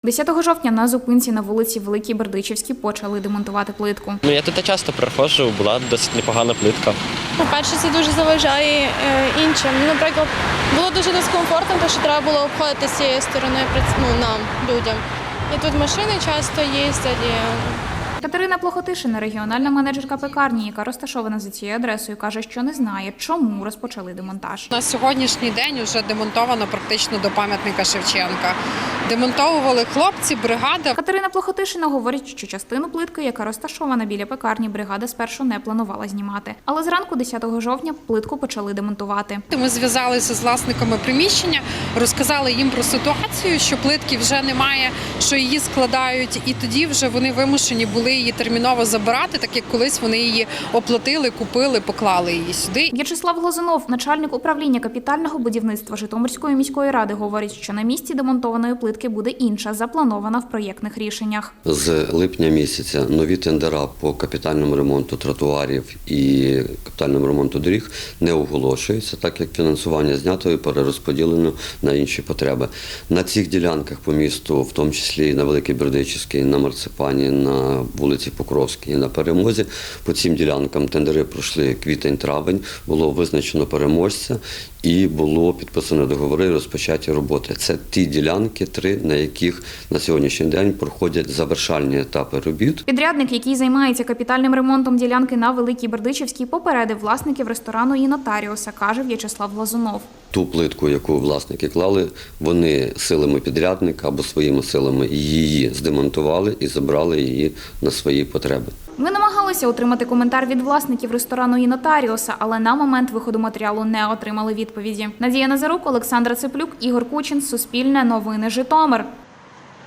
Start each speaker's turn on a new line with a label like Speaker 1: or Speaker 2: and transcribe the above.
Speaker 1: 10 жовтня на зупинці на вулиці Великій Бердичівській почали демонтувати плитку.
Speaker 2: Я тут часто приходжу, була досить непогана плитка.
Speaker 3: По-перше, це дуже заважає іншим. Наприклад, було дуже дискомфортно, тому що треба було обходити з цієї сторони нам, людям. І тут машини часто їздять.
Speaker 1: Катерина Плохотишина, регіональна менеджерка пекарні, яка розташована за цією адресою, каже, що не знає, чому розпочали демонтаж.
Speaker 4: На сьогоднішній день вже демонтовано практично до пам'ятника Шевченка. Демонтовували хлопці, бригада.
Speaker 1: Катерина Плохотишина говорить, що частину плитки, яка розташована біля пекарні, бригада спершу не планувала знімати. Але зранку 10 жовтня плитку почали демонтувати.
Speaker 4: Ми зв'язалися з власниками приміщення, розказали їм про ситуацію, що плитки вже немає, що її складають, і тоді вже вони вимушені були її терміново забирати, так як колись вони її оплатили, купили, поклали її сюди.
Speaker 1: В'ячеслав Глазунов, начальник управління капітального будівництва Житомирської міської ради, говорить, що на місці демонтованої плитки буде інша, запланована в проєктних рішеннях.
Speaker 5: З липня місяця нові тендера по капітальному ремонту тротуарів і капітальному ремонту доріг не оголошуються, так як фінансування знято і перерозподілено на інші потреби. На цих ділянках по місту, в тому числі і на Великій Бердичівській, на Марципані, на вулиці Покровській і на Перемозі, по цим ділянкам тендери пройшли квітень-травень, було визначено переможця і було підписано договори і розпочаті роботи. Це ті ділянки, три, на яких на сьогоднішній день проходять завершальні етапи робіт.
Speaker 1: Підрядник, який займається капітальним ремонтом ділянки на Великій Бердичівській, попередив власників ресторану і нотаріуса, каже В'ячеслав Глазунов.
Speaker 5: Ту плитку, яку власники клали, вони силами підрядника або своїми силами її здемонтували і забрали її на свої потреби.
Speaker 1: Ми намагалися отримати коментар від власників ресторану і нотаріуса, але на момент виходу матеріалу не отримали відповіді. Надія Назарук, Олександра Цеплюк, Ігор Кучин, Суспільне новини, Житомир.